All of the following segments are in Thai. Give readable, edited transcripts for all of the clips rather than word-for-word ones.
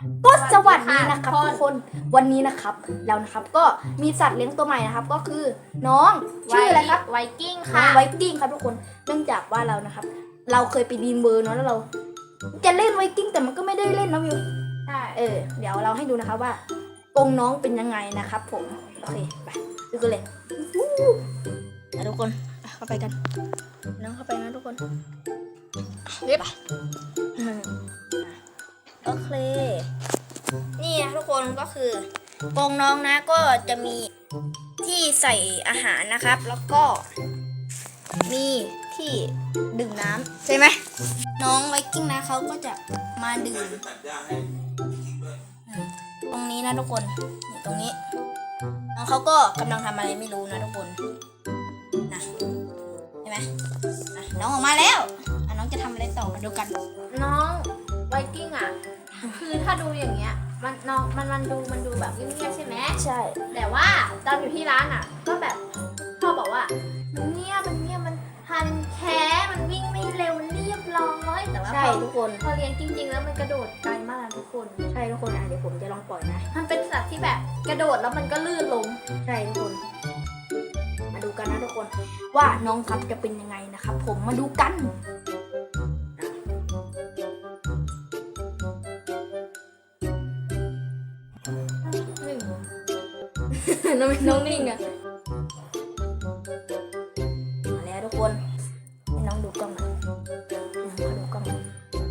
ก็สวัสดีนะครับทุกคนวันนี้นะครับเรานะครับก็มีสัตว์เลี้ยงตัวใหม่นะครับก็คือน้องชื่ออะไรครับไวกิ้งน้อค่ะงไวกิ้งครับทุกคนเนื่องจากว่าเรานะครับเราเคยไปดีมเบอร์เนาะแล้วเราจะเล่นไวกิ้งแต่มันก็ไม่ได้เล่นนะวิวใช่เดี๋ยวเราให้ดูนะครับว่ากรงน้องเป็นยังไงนะครับผมโอเคไปดูกันเลยทุกคนเข้าไปกันน้องเข้าไปนะทุกคนเรียบโอเคนี่นะทุกคนก็คือกรงน้องนะก็จะมีที่ใส่อาหารนะครับแล้วก็มีที่ดื่มน้ำใช่ไหมน้องไวกิ้งนะเขาก็จะมาดื่มตรงนี้นะทุกคนนี่ตรงนี้น้องเขาก็กำลังทำอะไรไม่รู้นะทุกคนนะใช่ไหมน้องออกมาแล้วน้องจะทำอะไรต่อมาดูกันน้องไวกิ้งอ่ะ คือถ้าดูอย่างเงี้ยมันน้องมันดูแบบเงียบๆใช่ไหมใช่แต่ว่าตอนอยู่ที่ร้านอ่ะ ก็แบบพ่อบอกว่ามันเงียบมันพันแค่มันวิ่งไม่เร็วมันเรียบร้อยแต่ว่าใช่ทุกคนพอเลี้ยงจริง ๆ แล้วมันกระโดดไกลมากนะทุกคนใช่ทุกคนเดี๋ยวผมจะลองปล่อยนะมันเป็นสัตว์ที่แบบกระโดดแล้วมันก็ลื่นล้มใช่ทุกคน มาดูกันนะทุกคน ว่าน้องครับจะเป็นยังไงนะครับผมมาดูกันหนึ่งน้องนิ่งอะมาแล้วทุกคนให้น้องดูกล้องหน่อยน้องเขาดูกล้องหน่อย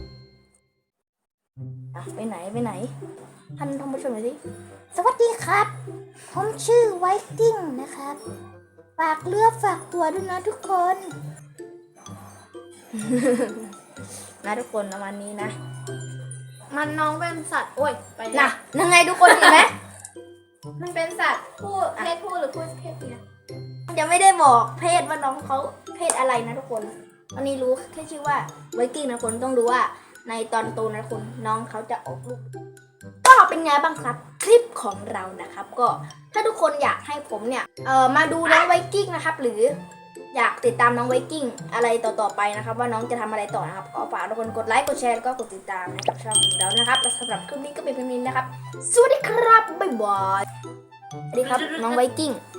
ไปไหนท่านผู้ชมหน่อยสิสวัสดีครับผมชื่อไวกิ้งนะครับฝากเลือฝากตัวด้วยนะทุกคน นะทุกคนประมาณนี้นะมันน้องเป็นสัตว์โอ้ยไปน่ะยังไงทุกคนเห็นไหมมันเป็นสัตว์เพศผู้หรือเพศเมียยังไม่ได้บอกเพศว่าน้องเขาเพศอะไรนะทุกคนตอนนี้รู้แค่ชื่อว่าไวกิ้งนะคนต้องรู้ว่าในตอนโตนะคนน้องเขาจะออกลูกก็เป็นไงบ้างครับคลิปของเรานะครับก็ถ้าทุกคนอยากให้ผมเนี่ยมาดูน้องไวกิ้งนะครับหรืออยากติดตามน้องไวกิ้งอะไรต่อๆไปนะครับว่าน้องจะทำอะไรต่อนะครับก็ฝากทุกคนกดไลค์กดแชร์แล้วก็กดติดตามนะครับช่องของเรานะครับและสำหรับคลิปนี้ก็เป็นเพียงนี้นะครับสวัสดีครับบ๊ายบายสวัสดีครับน้องไวกิ้ง